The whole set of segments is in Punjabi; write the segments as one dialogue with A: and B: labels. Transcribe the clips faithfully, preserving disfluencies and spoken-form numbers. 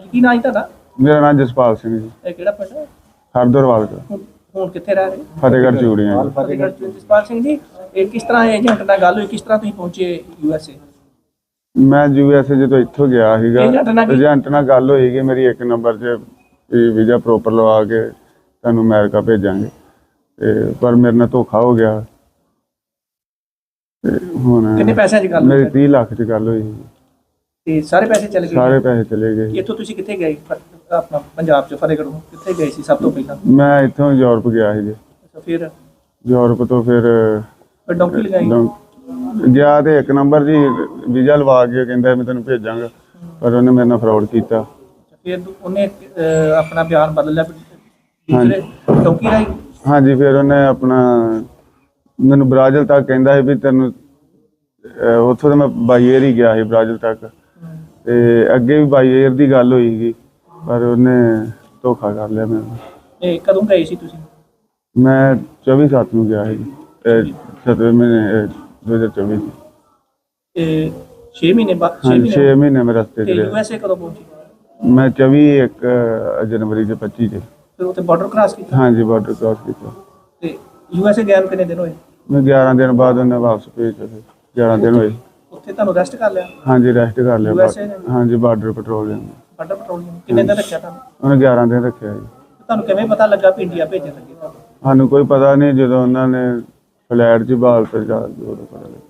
A: ਕੀ ਨਾਂ ਜੀ ਤੁਹਾਡਾ?
B: ਮੇਰਾ ਨਾਮ ਜਸਪਾਲ ਸਿੰਘ ਜੀ।
A: ਇਹ ਕਿਹੜਾ ਪਿੰਡ ਹੈ?
B: ਹਰਦਰਵਾਲ ਦਾ।
A: ਹੁਣ ਹੁਣ ਕਿੱਥੇ ਰਹਿ ਰਹੇ?
B: ਫਤਿਹਗੜ੍ਹ ਚੂੜੀਆਂ ਜੀ।
A: ਫਤਿਹਗੜ੍ਹ ਚ। ਜਸਪਾਲ ਸਿੰਘ ਜੀ, ਇਹ ਕਿਸ ਤਰ੍ਹਾਂ ਏਜੰਟ ਨਾਲ ਗੱਲ ਹੋਈ, ਕਿਸ ਤਰ੍ਹਾਂ ਤੁਸੀਂ ਪਹੁੰਚੇ ਯੂ ਐਸ ਏ?
B: ਮੈਂ ਯੂ ਐਸ ਏ ਜਦੋਂ ਇੱਥੋਂ ਗਿਆ ਸੀਗਾ,
A: ਏਜੰਟ ਨਾਲ ਕੀ-
B: ਏਜੰਟ ਨਾਲ ਗੱਲ ਹੋਈ ਕਿ ਮੇਰੀ ਇੱਕ ਨੰਬਰ 'ਚ ਵੀਜ਼ਾ ਪ੍ਰੋਪਰ ਲਵਾ ਕੇ ਤੁਹਾਨੂੰ ਅਮਰੀਕਾ ਭੇਜਾਂਗੇ, ਤੇ ਪਰ ਮੇਰੇ ਨਾਲ ਧੋਖਾ ਹੋ ਗਿਆ। ਤੇ ਹੁਣ
A: ਕਿੰਨੇ ਪੈਸਿਆਂ 'ਚ ਗੱਲ
B: ਮੇਰੀ
A: ਹੋਈ?
B: ਤੀਹ ਲੱਖ 'ਚ ਗੱਲ ਹੋਈ ਸੀ।
A: ਤੇ ਸਾਰੇ ਪੈਸੇ ਚਲੇ ਗਏ?
B: ਸਾਰੇ ਪੈਸੇ ਚਲੇ ਗਏ।
A: ਇੱਥੋਂ ਤੁਸੀਂ ਕਿੱਥੇ ਗਏ? ਫ- ਆਪਣਾ ਪੰਜਾਬ 'ਚ ਫਤਿਹਗੜ੍ਹੋਂ ਕਿੱਥੇ ਗਏ ਸੀ ਸਭ ਤੋਂ ਪਹਿਲਾਂ?
B: ਮੈਂ ਇੱਥੋਂ ਯੂਰਪ ਗਿਆ ਸੀ ਜੀ।
A: ਅੱਛਾ, ਫਿਰ
B: ਯੂਰਪ ਤੋਂ ਫਿਰ
A: ਫਿਰ ਡੌਂਕੀ ਲਗਾਈ?
B: ਡੌਂ- ਗਿਆ ਤੇ ਇੱਕ ਨੰਬਰ ਜੀ ਵੀਜ਼ਾ ਲਵਾ ਕੇ ਕਹਿੰਦਾ ਮੈਂ ਤੈਨੂੰ ਭੇਜਾਂਗਾ, ਪਰ ਉਹਨੇ ਮੇਰੇ ਨਾਲ ਫਰਾਡ ਕੀਤਾ।
A: ਫਿਰ ਉਹਨੇ ਅਹ, ਆਪਣਾ ਬਿਆਨ ਬਦਲ ਲਿਆ ਦੂਸਰੇ ਡੌਂਕੀ ਰਾਹੀਂ?
B: ਹਾਂਜੀ, ਫਿਰ ਉਹਨੇ ਆਪਣਾ ਮੈਨੂੰ ਬ੍ਰਾਜ਼ਿਲ ਤੱਕ ਕਹਿੰਦਾ ਸੀ ਵੀ ਤੈਨੂੰ ਅਹ ਉੱਥੋਂ ਤਾਂ ਮੈਂ ਬਾਈ ਏਅਰ ਹੀ ਗਿਆ ਸੀ ਬ੍ਰਾਜ਼ਿਲ ਤੱਕ, ਤੇ ਅੱਗੇ ਵੀ ਬਾਈ ਏਅਰ ਦੀ ਗੱਲ ਹੋਈ ਸੀ, ਪਰ ਉਹਨੇ ਧੋਖਾ ਕਰ ਲਿਆ ਮੈਨੂੰ।
A: ਇਹ ਕਦੋਂ ਗਏ ਸੀ ਤੁਸੀਂ?
B: ਮੈਂ ਚੌਵੀ ਸੱਤ ਨੂੰ ਗਿਆ ਸੀ, ਸਤਵੇਂ ਮਹੀਨੇ ਦੋ ਹਜ਼ਾਰ ਚੌਵੀ ਚ।
A: ਇਹ ਛੇ ਮਹੀਨੇ ਬਾਅਦ? ਛੇ
B: ਹਾਂਜੀ,
A: ਮਹੀਨੇ
B: ਛੇ ਮਹੀਨੇ ਮੈਂ ਰਸਤੇ 'ਚ
A: ਤੇ ਯੂ
B: ਰਿਹਾ।
A: ਐਸ ਏ ਕਦੋਂ ਪਹੁੰਚੀ?
B: ਮੈਂ ਚੌਵੀ ਇੱਕ ਜਨਵਰੀ ਦੇ ਪੱਚੀ ਚ।
A: ਫਿਰ ਉੱਥੇ ਬਾਰਡਰ ਕ੍ਰਾਸ ਕੀਤਾ?
B: ਹਾਂਜੀ, ਬਾਰਡਰ ਕ੍ਰਾਸ ਕੀਤਾ।
A: ਤੇ ਯੂ ਐਸ ਏ ਗਿਆ ਨੂੰ ਕਿੰਨੇ ਦਿਨ ਹੋਏ?
B: ਮੈਂ ਗਿਆਰਾਂ ਦਿਨ ਬਾਅਦ ਉਹਨੇ ਵਾਪਸ ਭੇਜਿਆ। ਫਿਰ ਗਿਆਰਾਂ ਦਿਨ ਹੋਏ।
A: ਉੱਥੇ ਤੁਹਾਨੂੰ ਰੈਸਟ ਕਰ ਲਿਆ?
B: ਹਾਂਜੀ, ਰੈਸਟ ਕਰ ਲਿਆ।
A: ਯੂ ਐਸ ਏ ਨੇ?
B: ਹਾਂਜੀ, ਬਾਰਡਰ ਪੈਟਰੋਲਿੰਗ।
A: ਬਾਰਡਰ ਪੈਟਰੋਲਿੰਗ ਕਿੰਨੇ ਦਿਨ ਰੱਖਿਆ ਤੁਹਾਨੂੰ?
B: ਉਹਨੇ ਗਿਆਰਾਂ ਦਿਨ ਰੱਖਿਆ ਜੀ।
A: ਤੁਹਾਨੂੰ ਕਿਵੇਂ ਪਤਾ ਲੱਗਾ ਵੀ ਇੰਡੀਆ ਭੇਜਣ ਲੱਗੇ ਤੁਹਾਨੂੰ?
B: ਸਾਨੂੰ ਕੋਈ ਪਤਾ ਨਹੀਂ, ਜਦੋਂ ਉਹਨਾਂ ਨੇ ਫਲੈਟ 'ਚ ਬਾਲ ਤੇ ਜਾ ਕੇ ਉਦੋਂ ਪਤਾ ਲੱਗਾ।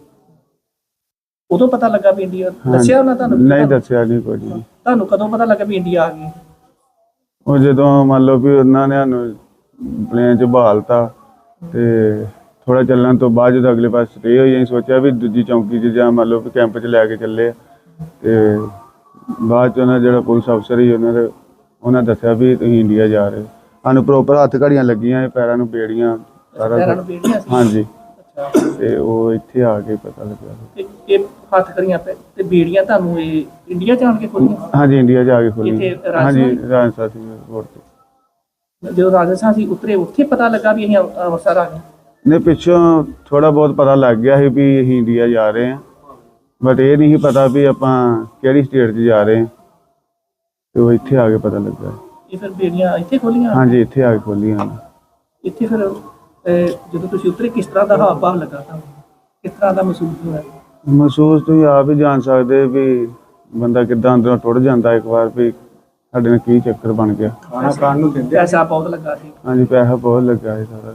A: ਉਦੋਂ ਪਤਾ ਲੱਗਾ ਵੀ ਇੰਡੀਆ? ਦੱਸਿਆ ਉਹਨਾਂ ਤੁਹਾਨੂੰ?
B: ਨਹੀਂ ਦੱਸਿਆ ਨਹੀਂ ਕੁਝ ਵੀ।
A: ਤੁਹਾਨੂੰ ਕਦੋਂ ਪਤਾ ਲੱਗਾ ਵੀ ਇੰਡੀਆ ਆ ਗਈ?
B: ਉਹ ਜਦੋਂ ਮੰਨ ਲਓ ਵੀ ਉਹਨਾਂ ਨੇ ਸਾਨੂੰ ਪਲੇਨ 'ਚ ਬਹਾਲਤਾ, ਤੇ ਥੋੜਾ ਚੱਲਣ ਤੋਂ ਬਾਅਦ ਜਦੋਂ ਅਗਲੇ ਪਾਸੇ ਸਟੇ ਹੋਈ, ਅਸੀਂ ਸੋਚਿਆ ਵੀ ਦੂਜੀ ਚੌਂਕੀ 'ਚ ਜਾਂ ਮੰਨ ਲਓ ਵੀ ਕੈਂਪ 'ਚ ਲੈ ਕੇ ਚੱਲੇ ਆ। ਤੇ ਬਾਅਦ 'ਚ ਉਹਨਾਂ ਜਿਹੜਾ ਪੁਲਿਸ ਅਫਸਰ ਸੀ ਉਹਨਾਂ ਦੇ ਉਹਨਾਂ ਦੱਸਿਆ ਵੀ ਤੁਸੀਂ ਇੰਡੀਆ ਜਾ ਰਹੇ ਹੋ। ਸਾਨੂੰ ਪ੍ਰੋਪਰ ਹੱਥ ਘੜੀਆਂ ਲੱਗੀਆਂ, ਪੈਰਾਂ ਨੂੰ ਬੇੜੀਆਂ, ਸਾਰਾ
A: ਪੈਰਾਂ ਨੂੰ
B: ਕੁਛ।
A: ਬੇੜੀਆਂ ਸੀ?
B: ਹਾਂਜੀ,
A: ਅੱਛਾ।
B: ਤੇ ਉਹ ਇੱਥੇ ਆ ਕੇ ਪਤਾ ਲੱਗਿਆ।
A: ਤੇ ਇਹ ਹੱਥ ਕਰੀਆਂ ਪੈ ਤੇ ਬੇੜੀਆਂ ਤੁਹਾਨੂੰ ਇਹ ਇੰਡੀਆ ਜਾਣ ਕੇ ਖੋਲੀਆਂ?
B: ਹਾਂਜੀ, ਇੰਡੀਆ ਜਾ ਕੇ ਖੋਲੀ।
A: ਇੱਥੇ ਰਾਜਸਥਾਨ?
B: ਹਾਂਜੀ, ਰਾਜਸਥਾਨ ਸੀ 에ਅਰਪੋਰਟ ਤੇ।
A: ਜਦੋਂ ਰਾਜਸਥਾਨ ਸੀ ਉਤਰੇ, ਉੱਥੇ ਪਤਾ ਲੱਗਾ ਵੀ ਅਸੀਂ ਅੰਮ੍ਰਿ- ਅੰਮ੍ਰਿਤਸਰ ਆ ਗਏ?
B: ਨੇ ਪਿੱਛੋਂ ਥੋੜਾ ਬਹੁਤ ਪਤਾ ਲੱਗ ਗਿਆ ਸੀ ਵੀ ਅਸੀਂ ਇੰਡੀਆ ਜਾ ਰਹੇ ਹਾਂ, ਬਟ ਇਹ ਨਹੀਂ ਸੀ ਪਤਾ ਵੀ ਆਪਾਂ ਕਿਹੜੀ ਸਟੇਟ 'ਚ ਜਾ ਰਹੇ ਹਾਂ। ਤੇ ਉਹ ਇੱਥੇ ਆ ਕੇ ਪਤਾ ਲੱਗਾ।
A: ਇਹ ਫਿਰ ਬੇੜੀਆਂ ਇੱਥੇ ਖੋਲੀਆਂ?
B: ਹਾਂਜੀ, ਇੱਥੇ ਆ ਕੇ ਖੋਲੀਆਂ।
A: ਇੱਥੇ ਫਿਰ ਅਹ, ਜਦੋਂ ਤੁਸੀਂ ਉਤਰੇ ਕਿਸ ਤਰ੍ਹਾਂ ਦਾ ਹਾਵ ਭਾਵ ਲੱਗਾ ਤੁਹਾਨੂੰ? ਕਿਸ ਤਰ੍ਹਾਂ ਦਾ ਮਹਿਸੂਸ ਹੋਇਆ?
B: ਮਹਿਸੂਸ ਤੁਸੀਂ ਆਪ ਹੀ ਜਾਣ ਸਕਦੇ ਵੀ ਬੰਦਾ ਕਿੱਦਾਂ ਅੰਦਰੋਂ ਟੁੱਟ ਜਾਂਦਾ ਇੱਕ ਵਾਰ ਵੀ ਸਾਡੇ ਨਾਲ ਕੀ ਚੱਕਰ ਬਣ ਗਿਆ।
A: ਖਾਣਾ ਖਾਣ ਨੂੰ ਦਿੰਦੇ? ਪੈਸਾ ਬਹੁਤ ਲੱਗਾ ਸੀ?
B: ਹਾਂਜੀ, ਪੈਸਾ ਬਹੁਤ ਲੱਗਾ ਸੀ ਸਾਰਾ।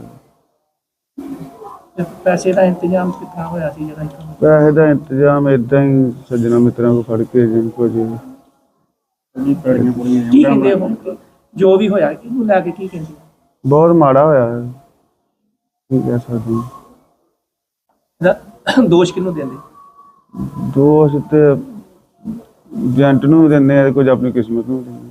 A: ਤੇ ਪੈਸੇ ਦਾ ਇੰਤਜ਼ਾਮ ਕਿਸ ਤਰ੍ਹਾਂ ਹੋਇਆ ਸੀ ਜਿਹੜਾ ਇੱਥੋਂ?
B: ਪੈਸੇ ਦਾ ਇੰਤਜ਼ਾਮ ਏਦਾਂ ਹੀ ਸੱਜਣਾ ਮਿੱਤਰਾਂ ਕੋਲ ਫੜ ਕੇ ਜਿੰਨ ਕੁਝ
A: ਕੀ ਕਹਿੰਦੇ ਹੁਣ ਜੋ ਵੀ ਹੋਇਆ ਕਿਹਨੂੰ ਲੈ ਕੇ ਕੀ ਕਹਿੰਦੇ?
B: ਬਹੁਤ ਮਾੜਾ ਹੋਇਆ ਹੈ, ਕੀ ਕਹਿ ਸਕਦੇ ਹਾਂ।
A: ਇਹਦਾ ਦੋਸ਼ ਕਿਹਨੂੰ ਦਿੰਦੇ?
B: ਦੋਸ਼ ਤੇ ਏਜੰਟ ਨੂੰ ਵੀ ਦਿੰਦੇ ਆ, ਕੁਝ ਆਪਣੀ ਕਿਸਮਤ ਨੂੰ ਵੀ ਦਿੰਦੇ ਆ।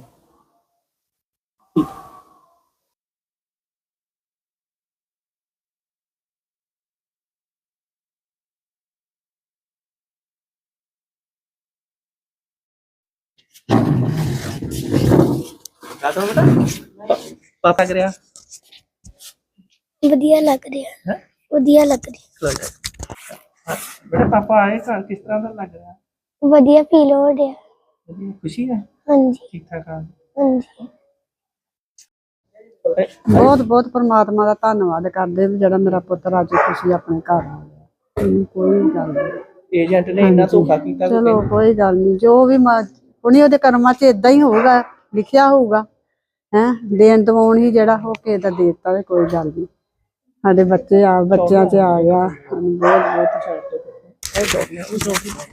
A: ਕਾਹਤੋਂ ਬੇਟਾ? ਪਾਪਾ ਕਰਿਆ
C: ਵਧੀਆ ਲੱਗ ਰਿਹਾ
A: ਹੈ?
C: ਵਧੀਆ ਲੱਗ ਰਿਹਾ
A: ਬੇਟਾ ਪਾਪਾ ਆਏ ਘਰ, ਕਿਸ ਤਰ੍ਹਾਂ ਦਾ ਲੱਗ ਰਿਹਾ?
C: ਵਧੀਆ ਫੀਲ ਹੋ ਰਿਹਾ।
A: ਵਧੀਆ, ਖੁਸ਼ੀ ਹੈ?
C: ਹਾਂਜੀ
A: ਠੀਕ ਠਾਕ ਆ?
C: ਹਾਂਜੀ
D: ਬਹੁਤ ਬਹੁਤ ਪਰਮਾਤਮਾ ਦਾ ਧੰਨਵਾਦ ਕਰਦੇ ਵੀ ਜਿਹੜਾ ਮੇਰਾ ਪੁੱਤਰ ਅੱਜ ਖੁਸ਼ੀ ਆਪਣੇ ਘਰ ਆ ਗਿਆ। ਹਮ, ਕੋਈ ਗੱਲ ਨਹੀਂ,
A: ਏਜੰਟ ਨੇ ਇੰਨਾ ਧੋਖਾ ਕੀਤਾ?
D: ਚਲੋ ਕੋਈ ਗੱਲ ਨਹੀਂ, ਜੋ ਵੀ ਹੁਣੀ ਉਹਦੇ ਕਰਮਾਂ 'ਚ ਇਦਾਂ ਹੀ ਹੋਊਗਾ, ਲਿਖਿਆ ਹੋਊਗਾ। ਹੈਂ, ਦੇਣ ਦਵਾਉਣ ਹੀ ਜਿਹੜਾ ਹੋ ਕੇ ਤਾਂ ਦੇ ਦਿੱਤਾ, ਤੇ ਕੋਈ ਗੱਲ ਨਹੀਂ। ਸਾਡੇ ਬੱਚੇ ਆ ਬੱਚਿਆਂ 'ਚ ਆ ਗਿਆ, ਸਾਨੂੰ ਬਹੁਤ ਬਹੁਤ